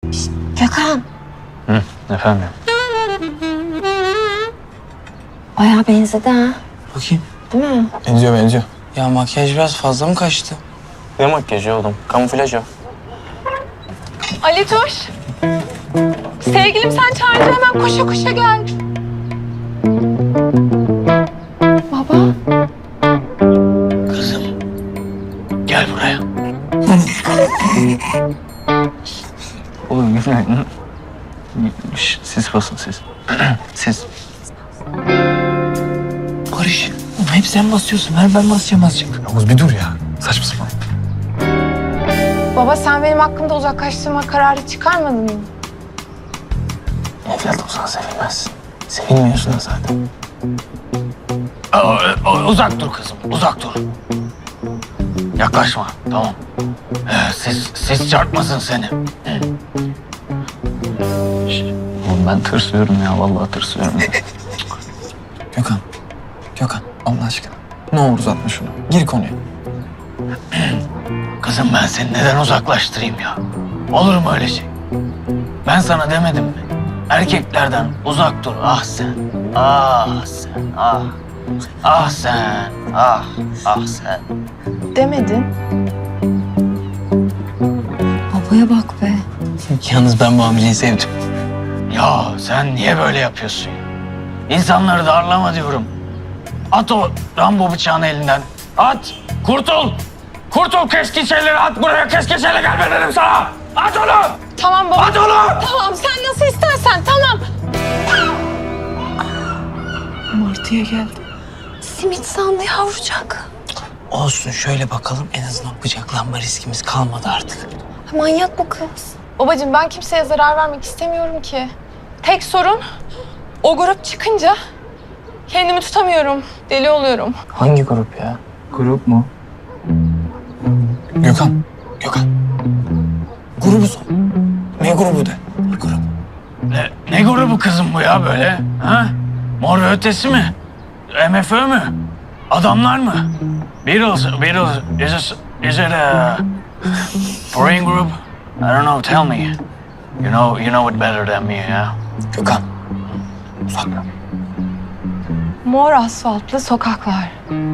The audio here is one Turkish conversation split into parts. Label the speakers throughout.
Speaker 1: Gökhan.
Speaker 2: Hı, efendim?
Speaker 1: Bayağı benzedi ha.
Speaker 3: Bakayım.
Speaker 1: Değil mi?
Speaker 2: Benziyor.
Speaker 3: Ya makyaj biraz fazla mı kaçtı?
Speaker 2: Ne makyajı oğlum? Kamuflaj o.
Speaker 4: Ali Tuş. Sevgilim sen çağırınca hemen koşa koşa gel. Baba.
Speaker 3: Kızım. Gel buraya.
Speaker 2: Oğlum güzel. Siz basın siz. Siz.
Speaker 3: Barış. Oğlum hep sen basıyorsun. Ver ben basacağım azıcık.
Speaker 2: Yavuz bir dur ya. Saçma sapan.
Speaker 4: Baba sen benim hakkımda uzaklaştırma kararı çıkarmadın mı?
Speaker 2: Evlat olsan sevilmez. Sevilmiyorsun da zaten.
Speaker 3: Uzak dur kızım. Uzak dur. Yaklaşma. Tamam. Ses çarpmasın seni.
Speaker 2: Oğlum ben tırsıyorum ya. Vallahi tırsıyorum.
Speaker 5: Gökhan Allah aşkına. Ne olur uzatma şunu. Gir konuya.
Speaker 3: Kızım ben seni neden uzaklaştırayım ya? Olur mu öyle şey? Ben sana demedim mi? Erkeklerden uzak dur. Ah sen. Ah sen. Ah. Ah sen. Ah. Ah sen.
Speaker 4: Demedin.
Speaker 1: Babaya bak be.
Speaker 3: Yalnız ben bu amcayı sevdim. Ya sen niye böyle yapıyorsun? İnsanları darlama diyorum. At o Rambo bıçağını elinden. At. Kurtul. Kurtul keskin şeyleri at buraya. Keskin şeyle gelme dedim sana. At onu.
Speaker 4: Tamam baba.
Speaker 3: At onu.
Speaker 4: Tamam sen nasıl istersen tamam. Martı'ya geldi.
Speaker 1: Simit sandı yavrucak.
Speaker 3: Olsun şöyle bakalım en azından bıçaklanma riskimiz kalmadı artık.
Speaker 1: Manyak bu kız.
Speaker 4: Babacığım ben kimseye zarar vermek istemiyorum ki. Tek sorun o grup çıkınca kendimi tutamıyorum. Deli oluyorum.
Speaker 2: Hangi grup ya?
Speaker 5: Grup mu? Gökhan. Grubu sor. Ne grubu de? Grup.
Speaker 3: Ne grubu kızım bu ya böyle? Ha? Mor ve Ötesi mi? MFÖ mü? Adamlar mı? Beatles. Is it a foreign group? I don't know. Tell me. You know it better than me, yeah.
Speaker 5: Gökhan. Uzak.
Speaker 4: Mor asfaltlı sokaklar.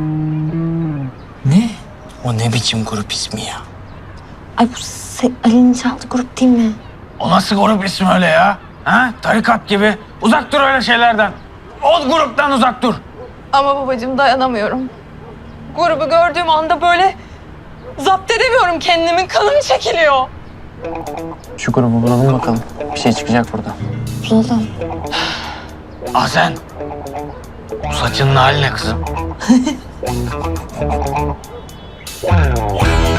Speaker 3: Ne? O ne biçim grup ismi ya?
Speaker 1: Ay bu Ali'nin çaldığı grup değil mi?
Speaker 3: O nasıl grup ismi öyle ya? Ha? Tarikat gibi. Uzak dur öyle şeylerden. O gruptan uzak dur.
Speaker 4: Ama babacığım dayanamıyorum. Grubu gördüğüm anda böyle zapt edemiyorum kendimi. Kanım çekiliyor.
Speaker 2: Şu grubu bulalım bakalım. Bir şey çıkacak burada.
Speaker 1: Bulalım.
Speaker 3: Ah sen. Bu saçının hali ne kızım?